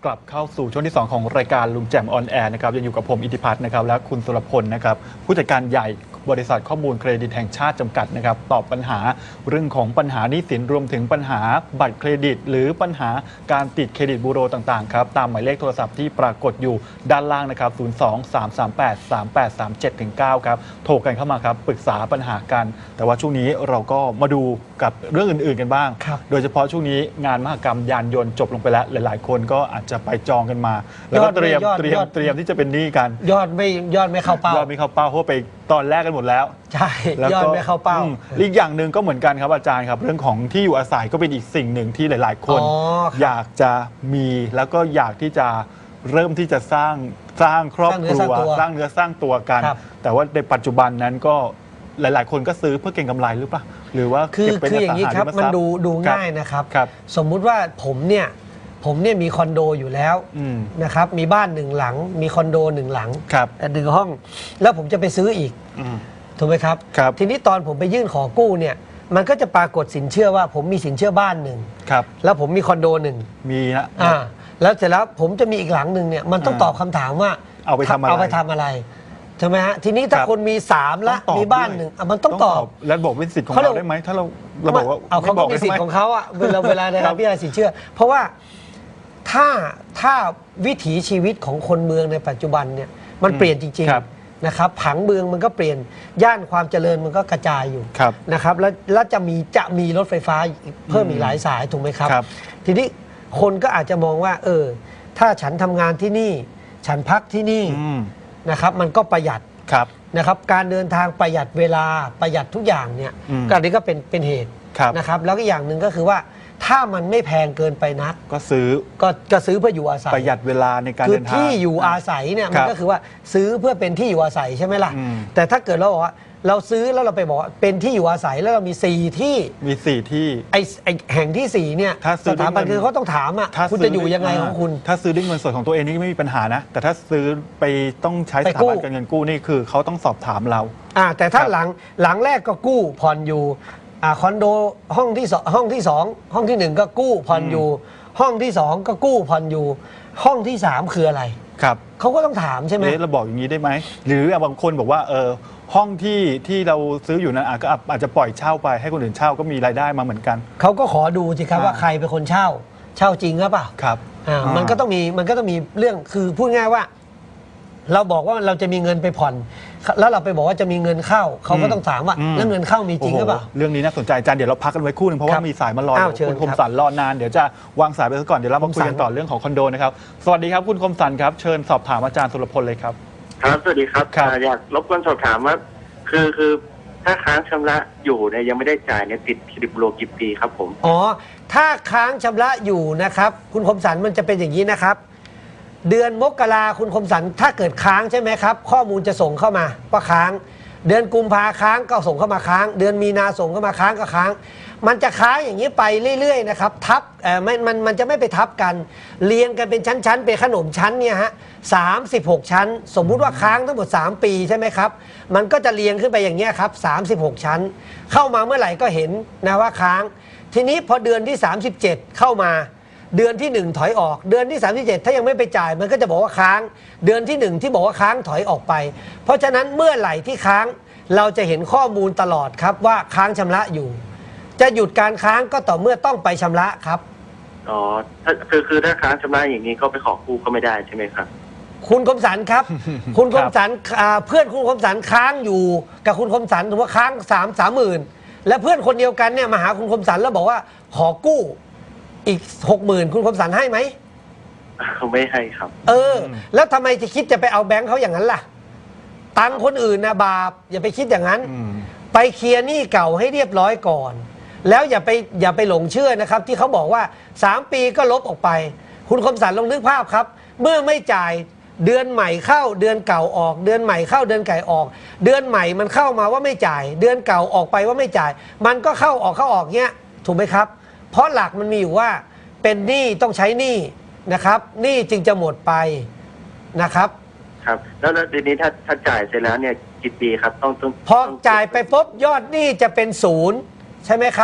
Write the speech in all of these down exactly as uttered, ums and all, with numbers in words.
กลับเข้าสู่ช่วงที่สองของรายการลุงแจ่มออนแอร์นะครับยังอยู่กับผมอิทธิพัฒน์นะครับและคุณสุรพลนะครับผู้จัดการใหญ่บริษัทข้อมูลเครดิตแห่งชาติจำกัดนะครับตอบปัญหาเรื่องของปัญหาหนี้สินรวมถึงปัญหาบัตรเครดิตหรือปัญหาการติดเครดิตบูโรต่างๆครับตามหมายเลขโทรศัพท์ที่ปรากฏอยู่ด้านล่างนะครับศูนย์ สอง สาม สาม แปด สาม แปด สาม เจ็ด เก้า ครับโทรกันเข้ามาครับปรึกษาปัญหากันแต่ว่าช่วงนี้เราก็มาดูกับเรื่องอื่นๆกันบ้างโดยเฉพาะช่วงนี้งานมหกรรมยานยนต์จบลงไปแล้วหลายๆคนก็อาจจะไปจองกันมาแล้วก็เตรียมเตรียมเตรียมที่จะเป็นหนี้กันยอดไม่ยอดไม่เข้าเป้ายอดไม่เข้าเป้าเพราะไปตอนแรกกันหมดแล้วใช่ยอดไม่เข้าเป้าอีกอย่างหนึ่งก็เหมือนกันครับอาจารย์ครับเรื่องของที่อยู่อาศัยก็เป็นอีกสิ่งหนึ่งที่หลายๆคนอยากจะมีแล้วก็อยากที่จะเริ่มที่จะสร้างสร้างครอบครัวสร้างเนื้อสร้างตัวกันแต่ว่าในปัจจุบันนั้นก็หลายๆคนก็ซื้อเพื่อเก็งกำไรหรือเปล่าหรือว่าคือคืออย่างนี้ครับมันดูดูง่ายนะครับสมมุติว่าผมเนี่ยผมเนี่ยมีคอนโดอยู่แล้วนะครับมีบ้านหนึ่งหลังมีคอนโดหนึ่งหลังหนึ่งห้องแล้วผมจะไปซื้ออีกถูกไหมครับทีนี้ตอนผมไปยื่นขอกู้เนี่ยมันก็จะปรากฏสินเชื่อว่าผมมีสินเชื่อบ้านหนึ่งแล้วผมมีคอนโดหนึ่งมีนะอ่าแล้วเสร็จแล้วผมจะมีอีกหลังหนึ่งเนี่ยมันต้องตอบคำถามว่าเอาไปทำอะไรเอาไปทำอะไรใช่ไหมฮะทีนี้ถ้าคนมีสามละมีบ้านหนึ่งมันต้องตอบแล้วบอกเป็นสิทธิ์ของเราได้ไหมถ้าเราเราบอกว่าเอาเขาเป็นสิทธิ์ของเขาอะเวลาเวลาในการพิจารณาสินเชื่อเพราะว่าถ้าถ้าวิถีชีวิตของคนเมืองในปัจจุบันเนี่ยมันเปลี่ยนจริงๆนะครับผังเมืองมันก็เปลี่ยนย่านความเจริญมันก็กระจายอยู่นะครับแล้วแล้วจะมีจะมีรถไฟฟ้าเพิ่มอีกหลายสายถูกไหมครับทีนี้คนก็อาจจะมองว่าเออถ้าฉันทำงานที่นี่ฉันพักที่นี่นะครับมันก็ประหยัดนะครับการเดินทางประหยัดเวลาประหยัดทุกอย่างเนี่ยก็อันนี้ก็เป็นเป็นเหตุนะครับแล้วก็อย่างหนึ่งก็คือว่าถ้ามันไม่แพงเกินไปนักก็ซื้อก็ก็ซื้อเพื่ออยู่อาศัยประหยัดเวลาในการเดินทางคือที่อยู่อาศัยเนี่ยมันก็คือว่าซื้อเพื่อเป็นที่อยู่อาศัยใช่ไหมล่ะแต่ถ้าเกิดเราบอกว่าเราซื้อแล้วเราไปบอกว่าเป็นที่อยู่อาศัยแล้วเรามีสี่ที่มีสี่ที่ไอไอแห่งที่สี่เนี่ยสถาบันคือเขาต้องถามอ่ะคุณจะอยู่ยังไงของคุณถ้าซื้อด้วยเงินสดของตัวเองนี่ไม่มีปัญหานะแต่ถ้าซื้อไปต้องใช้สถาบันการเงินกู้นี่คือเขาต้องสอบถามเราอ่าแต่ถ้าหลังหลังแรกก็กู้ผ่อนอยู่อ่าคอนโดห้องที่สองห้องที่สองห้องที่หนึ่งก็กู้ผ่อนอยู่ห้องที่สองก็กู้ผ่อนอยู่ห้องที่สามคืออะไรครับเขาก็ต้องถามใช่ไหมเราบอกอย่างนี้ได้ไหมหรือบางคนบอกว่าเออห้องที่ที่เราซื้ออยู่นั้นก็อาจจะปล่อยเช่าไปให้คนอื่นเช่าก็มีรายได้มาเหมือนกันเขาก็ขอดูสิครับว่าใครเป็นคนเช่าเช่าจริงหรือเปล่าครับอ่ามันก็ต้องมีมันก็ต้องมีเรื่องคือพูดง่ายว่าเราบอกว่าเราจะมีเงินไปผ่อนแล้วเราไปบอกว่าจะมีเงินเข้าเขาก็ต้องถามว่าแล้วเงินเข้ามีจริงหรือเปล่าเรื่องนี้น่าสนใจอาจารย์เดี๋ยวเราพักกันไว้คู่นึงเพราะว่ามีสายมารอคุณคมสันรอนานเดี๋ยวจะวางสายไปซะก่อนเดี๋ยวเรามาคุยกันต่อเรื่องของคอนโดนะครับสวัสดีครับคุณคมสันครับเชิญสอบถามอาจารย์สุรพลเลยครับครับสวัสดีครับอยากรบกวนสอบถามว่าคือคือถ้าค้างชำระอยู่เนี่ยยังไม่ได้จ่ายเนี่ยติดเครดิตบูโรกี่ปีครับผมอ๋อถ้าค้างชำระอยู่นะครับคุณคมสันมันจะเป็นอย่างนี้นะครับเดือนมกราคุณคมสันถ้าเกิดค้างใช่ไหมครับข้อมูลจะส่งเข้ามาว่าค้างเดือนกุมภาค้างก็ส่งเข้ามาค้างเดือนมีนาส่งเข้ามาค้างก็ค้างมันจะค้างอย่างนี้ไปเรื่อยๆนะครับทับเอ่อไม่มันมันจะไม่ไปทับกันเรียงกันเป็นชั้นๆเป็นขนมชั้นเนี่ยฮะสามสิบหกชั้นสมมุติว่าค้างทั้งหมดสามปีใช่ไหมครับมันก็จะเรียงขึ้นไปอย่างเงี้ยครับสามสิบหกชั้นเข้ามาเมื่อไหร่ก็เห็นนะว่าค้างทีนี้พอเดือนที่สามสิบเจ็ดเข้ามาเดือนที่หนึ่งถอยออกเดือนที่สามสิบเจ็ดถ้ายังไม่ไปจ่ายมันก็จะบอกว่าค้างเดือนที่หนึ่งที่บอกว่าค้างถอยออกไปเพราะฉะนั้นเมื่อไหร่ที่ค้างเราจะเห็นข้อมูลตลอดครับว่าค้างชำระอยู่จะหยุดการค้างก็ต่อเมื่อต้องไปชำระครับอ๋อคือคือถ้าค้างชำระอย่างนี้ก็ไปขอกู้ก็ไม่ได้ใช่ไหมครับคุณคมสันครับ คุณคมสันเพื่อนคุณคมสันค้างอยู่กับคุณคมสันถือว่าค้างสามสามหมื่นและเพื่อนคนเดียวกันเนี่ยมาหาคุณคมสันแล้วบอกว่าขอกู้อีกหกหมื่นคุณคมสันให้ไหมเขาไม่ให้ครับเออแล้วทำไมจะคิดจะไปเอาแบงค์เขาอย่างนั้นล่ะตังคนอื่นนะบาปอย่าไปคิดอย่างนั้นไปเคลียร์หนี้เก่าให้เรียบร้อยก่อนแล้วอย่าไปอย่าไปหลงเชื่อนะครับที่เขาบอกว่าสามปีก็ลบออกไปคุณคมสันลองนึกภาพครับเมื่อไม่จ่ายเดือนใหม่เข้าเดือนเก่าออกเดือนใหม่เข้าเดือนไก่ออกเดือนใหม่มันเข้ามาว่าไม่จ่ายเดือนเก่าออกไปว่าไม่จ่ายมันก็เข้าออกเข้าออกเงี้ยถูกไหมครับเพราะหลักมันมีอยู่ว่าเป็นหนี้ต้องใช้หนี้นะครับหนี้จึงจะหมดไปนะครับครับแล้วทีนี้ถ้าถ้าจ่ายเสร็จแล้วเนี่ยกี่ปีครับต้องต้องพอจ่ายไปปุ๊บยอดหนี้จะเป็นศูนย์ใช่ไหมครับ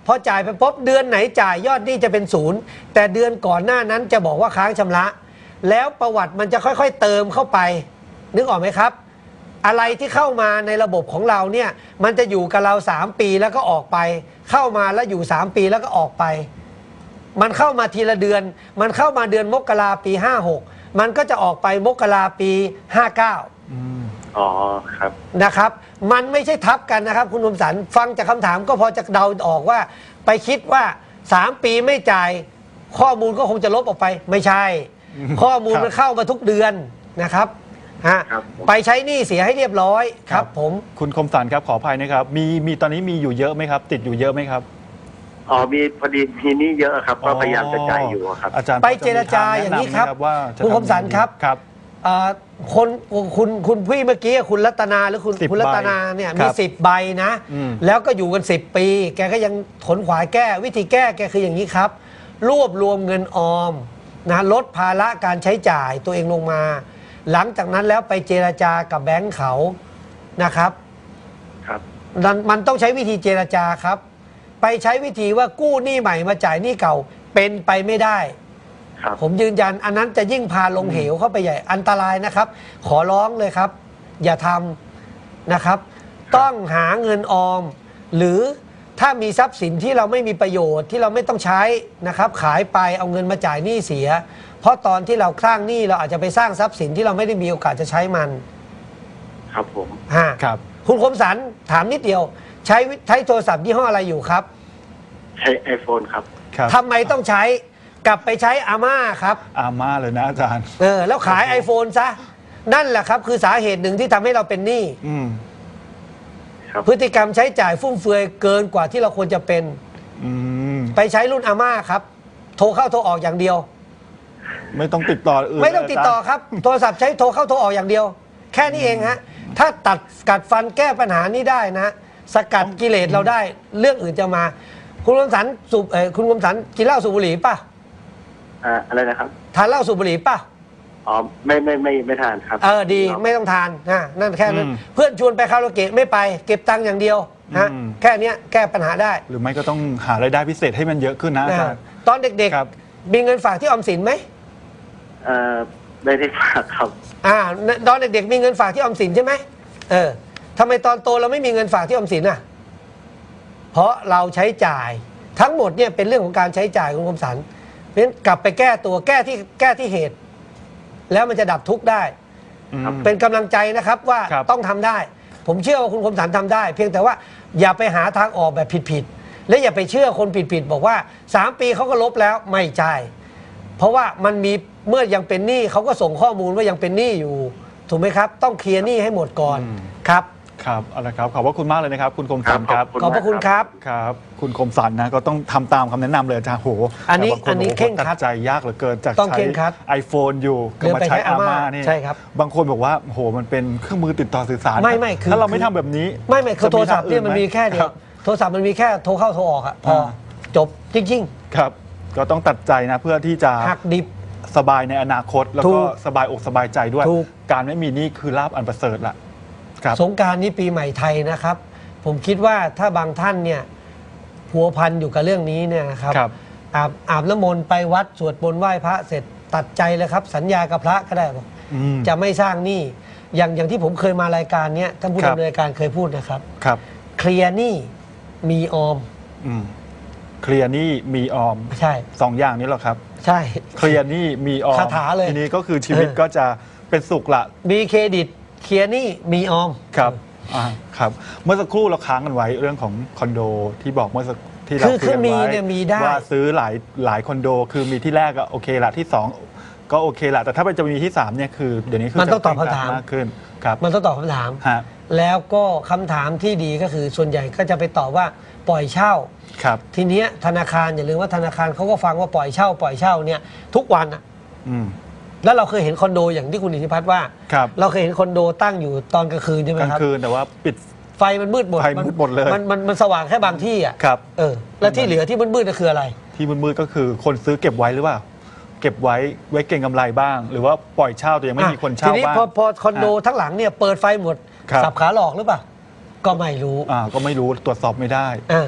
พอจ่ายไปปุ๊บเดือนไหนจ่ายยอดหนี้จะเป็นศูนย์แต่เดือนก่อนหน้านั้นจะบอกว่าค้างชำระ แล้วประวัติมันจะค่อยๆเติมเข้าไปนึกออกไหมครับอะไรที่เข้ามาในระบบของเราเนี่ยมันจะอยู่กับเราสามปีแล้วก็ออกไปเข้ามาแล้วอยู่สามปีแล้วก็ออกไปมันเข้ามาทีละเดือนมันเข้ามาเดือนมกราปีห้าหกมันก็จะออกไปมกราปีห้าเก้าอ๋อครับนะครับมันไม่ใช่ทับกันนะครับคุณคมสันฟังจากคำถามก็พอจะเดาออกว่าไปคิดว่าสามปีไม่จ่ายข้อมูลก็คงจะลบออกไปไม่ใช่ข้อมูลมันเข้ามาทุกเดือนนะครับฮะไปใช้หนี้เสียให้เรียบร้อยครับผมคุณคมสันครับขออภัยนะครับมีมีตอนนี้มีอยู่เยอะไหมครับติดอยู่เยอะไหมครับอ๋อมีพอดีมีหนี้เยอะครับก็พยายามจะจ่ายอยู่ครับอาจารย์ไปเจรจาอย่างนี้ครับคุณคมสันครับครับคนคุณคุณพี่เมื่อกี้คุณรัตนาหรือคุณคุณรัตนาเนี่ยมีสิบใบนะแล้วก็อยู่กันสิบปีแกก็ยังขนขวายแก้วิธีแก้แกคืออย่างนี้ครับรวบรวมเงินออมนะลดภาระการใช้จ่ายตัวเองลงมาหลังจากนั้นแล้วไปเจรจากับแบงก์เขานะครับครับมันต้องใช้วิธีเจรจาครับไปใช้วิธีว่ากู้หนี้ใหม่มาจ่ายหนี้เก่าเป็นไปไม่ได้ผมยืนยันอันนั้นจะยิ่งพาลงเหวเข้าไปใหญ่อันตรายนะครับขอร้องเลยครับอย่าทำนะครับต้องหาเงินออมหรือถ้ามีทรัพย์สินที่เราไม่มีประโยชน์ที่เราไม่ต้องใช้นะครับขายไปเอาเงินมาจ่ายหนี้เสียเพราะตอนที่เราสร้างหนี้เราอาจจะไปสร้างทรัพย์สินที่เราไม่ได้มีโอกาสจะใช้มันครับผมฮะครับคุณคมสันถามนิดเดียวใช้ใช้โทรศัพท์ยี่ห้ออะไรอยู่ครับใช้ ไอโฟน ครับทำไมต้องใช้กลับไปใช้อาม่าครับอาม่าเลยนะอาจารย์เออแล้วขาย ไอโฟน ซะนั่นแหละครับคือสาเหตุหนึ่งที่ทำให้เราเป็นหนี้พฤติกรรมใช้จ่ายฟุ่มเฟือยเกินกว่าที่เราควรจะเป็นไปใช้รุ่นอาม่าครับโทรเข้าโทรออกอย่างเดียวไม่ต้องติดต่ออื่นไม่ต้องติดต่อครับโทรศัพท์ใช้โทรเข้าโทรออกอย่างเดียวแค่นี้เองฮะถ้าตัดกัดฟันแก้ปัญหานี้ได้นะสกัดกิเลสเราได้เรื่องอื่นจะมาคุณคมสันสูบคุณคมสันกินเหล้าสูบบุหรี่ป่ะอ่าอะไรนะครับทานเหล้าสูบบุหรี่ป่ะอ๋อไม่ไม่ไม่ไม่ทานครับเออดีไม่ต้องทานนะนั่นแค่นั้นเพื่อนชวนไปคาราโอเกะไม่ไปเก็บตังค์อย่างเดียวนะแค่นี้แก้ปัญหาได้หรือไม่ก็ต้องหารายได้พิเศษให้มันเยอะขึ้นนะอาจารย์ตอนเด็กๆมีเงินฝากที่ออมสินไหมเออไม่ได้ฝากครับอ่าตอนเด็กๆมีเงินฝากที่ออมสินใช่ไหมเออทำไมตอนโตเราไม่มีเงินฝากที่ออมสินอ่ะเพราะเราใช้จ่ายทั้งหมดเนี่ยเป็นเรื่องของการใช้จ่ายคุณคมสันเพราะฉะนั้นกลับไปแก้ตัวแก้ที่แก้ที่เหตุแล้วมันจะดับทุกข์ได้เป็นกำลังใจนะครับว่าต้องทำได้ผมเชื่อว่าคุณคมสันทำได้ เพียงแต่ว่าอย่าไปหาทางออกแบบผิดๆและอย่าไปเชื่อคนผิดๆบอกว่าสามปีเขาก็ลบแล้วไม่ใช่เพราะว่ามันมีเมื่อยังเป็นหนี้เขาก็ส่งข้อมูลว่ายังเป็นหนี้อยู่ถูกไหมครับต้องเคลียร์หนี้ให้หมดก่อนครับครับเอาละครับขอบพระคุณมากเลยนะครับคุณคมสันครับขอบพระคุณครับครับคุณคมสันนะก็ต้องทำตามคำแนะนำเลยอาจารย์โหอันนี้อันนี้เข่งคัดใจยากเหลือเกินจากใช้ iPhone อยู่ก็มาใช้อาม่านี่ใช่ครับบางคนบอกว่าโหมันเป็นเครื่องมือติดต่อสื่อสารไม่ไม่คือถ้าเราไม่ทำแบบนี้ไม่ไม่คือโทรศัพท์เนี่ยมันมีแค่เดียวโทรศัพท์มันมีแค่โทรเข้าโทรออกอะพอจบจริงๆครับก็ต้องตัดใจนะเพื่อที่จะหักดิบสบายในอนาคตแล้วก็สบายอกสบายใจด้วยการไม่มีหนี้คือลาภอันประเสริฐละสงกรานต์นี้ปีใหม่ไทยนะครับผมคิดว่าถ้าบางท่านเนี่ยพัวพันอยู่กับเรื่องนี้เนี่ยนะครับอาบอาบน้ำมนต์ไปวัดสวดมนต์ไหว้พระเสร็จตัดใจเลยครับสัญญากับพระก็ได้บอกจะไม่สร้างหนี้อย่างอย่างที่ผมเคยมารายการเนี้ยท่านผู้ดำเนินรายการเคยพูดนะครับครับเคลียร์หนี้มีออมเคลียร์หนี้มีออมใช่สองอย่างนี้หรอครับใช่เคลียร์หนี้มีออมคาถาเลยทีนี้ก็คือชีวิตก็จะเป็นสุขละมีเครดิตเคลียร์หนี้มีออมครับอ่าครับเมื่อสักครู่เราค้างกันไว้เรื่องของคอนโดที่บอกเมื่อสักที่เราคุยกันไว้ว่าซื้อหลายหลายคอนโดคือมีที่แรกก็โอเคละที่สองก็โอเคละแต่ถ้าไปจะมีที่สามเนี่ยคือเดี๋ยวนี้คือมันต้องตอบคำถามมากขึ้นครับมันต้องตอบคำถามแล้วก็คำถามที่ดีก็คือส่วนใหญ่ก็จะไปตอบว่าปล่อยเช่าครับทีเนี้ยธนาคารอย่าลืมว่าธนาคารเขาก็ฟังว่าปล่อยเช่าปล่อยเช่าเนี่ยทุกวันอ่ะแล้วเราเคยเห็นคอนโดอย่างที่คุณอิทธิพัฒน์ว่าเราเคยเห็นคอนโดตั้งอยู่ตอนกลางคืนใช่ไหมครับกลางคืนแต่ว่าปิดไฟมันมืดหมดไฟมืดหมดเลยมันมันมันสว่างแค่บางที่อ่ะครับเออแล้วที่เหลือที่มืดๆก็คืออะไรที่มืดๆก็คือคนซื้อเก็บไว้หรือเปล่าเก็บไว้ไว้เก็งกำไรบ้างหรือว่าปล่อยเช่าแต่ยังไม่มีคนเช่าบ้างทีนี้พอพอคอนโดทั้งหลังเนี่ยเปิดไฟหมดสับขาหลอกหรือเปล่าก็ไม่รู้อ่าก็ไม่รู้ตรวจสอบไม่ได้อ่า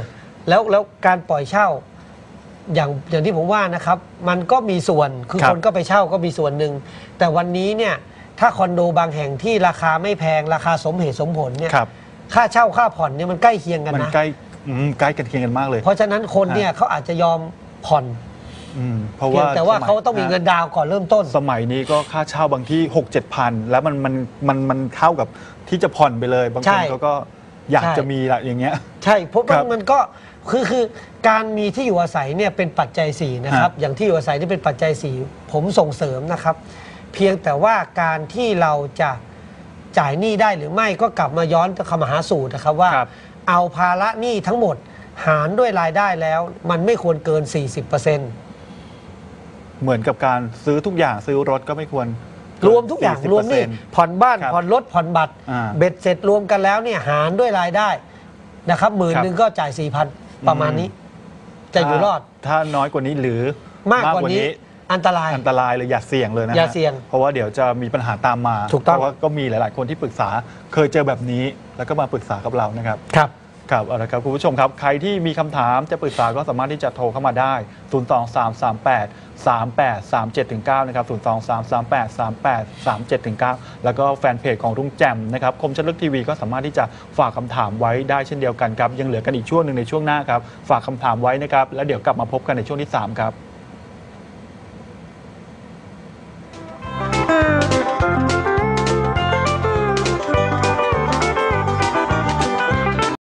แล้วแล้วการปล่อยเช่าอย่างอย่างที่ผมว่านะครับมันก็มีส่วนคือครับคนก็ไปเช่าก็มีส่วนหนึ่งแต่วันนี้เนี่ยถ้าคอนโดบางแห่งที่ราคาไม่แพงราคาสมเหตุสมผลเนี่ยครับค่าเช่าค่าผ่อนเนี่ยมันใกล้เคียงกันมันนะใกล้อืมใกล้กันเคียงกันมากเลยเพราะฉะนั้นคนเนี่ยเขาอาจจะยอมผ่อนอืมเพราะเพียว่างแต่ว่าสมัยเขาต้องมีเงินดาวน์ก่อนเริ่มต้นสมัยนี้ก็ค่าเช่าบางที่หกเจ็ดพันแล้วมันมันมันมันเท่ากับที่จะผ่อนไปเลย บางใช่คนเขาก็อยากใช่จะมีละอย่างเงี้ยใช่เพราะครัว่าบมันก็คือคือการมีที่อยู่อาศัยเนี่ยเป็นปัจจัยสี่นะครับฮะอย่างที่อยู่อาศัยนี่เป็นปัจจัยสี่ผมส่งเสริมนะครับ เพียงแต่ว่าการที่เราจะจ่ายหนี้ได้หรือไม่ก็กลับมาย้อนคำหาสูตรนะครับว่าครับเอาภาระหนี้ทั้งหมดหารด้วยรายได้แล้ว มันไม่ควรเกิน สี่สิบเปอร์เซ็นต์เหมือนกับการซื้อทุกอย่างซื้อรถก็ไม่ควรรวมทุกอย่างรวมหนี่ผ่อนบ้านครับผ่อนรถผ่อนบัตรอ่าเบ็ดเสร็จรวมกันแล้วเนี่ยหารด้วยรายได้นะครับหมื่นครับหนึ่งก็จ่ายสี่พันประมาณนี้ จะอยู่รอดถ้าน้อยกว่านี้หรือมากกว่านี้อันตรายอันตรายเลยอย่าเสี่ยงเลยนะฮะอย่าเสี่ยงเพราะว่าเดี๋ยวจะมีปัญหาตามมาถูกต้องเพราะว่าก็มีหลาย ๆ คนที่ปรึกษาเคยเจอแบบนี้แล้วก็มาปรึกษากับเรานะครับครับครับเอาละครับคุณผู้ชมครับ ใครที่มีคำถามจะปรึกษาก็สามารถที่จะโทรเข้ามาได้ ศูนย์ สอง สาม สาม แปด สาม แปด สาม เจ็ด เก้า นะครับ ศูนย์ สอง สาม สาม แปด สาม แปด สาม เจ็ด เก้า แล้วก็แฟนเพจของรุ่งแจ่มนะครับคมชัดลึกทีวีก็สามารถที่จะฝากคำถามไว้ได้เช่นเดียวกันครับยังเหลือกันอีกช่วงหนึ่งในช่วงหน้าครับฝากคำถามไว้นะครับแล้วเดี๋ยวกลับมาพบกันในช่วงที่สามครับ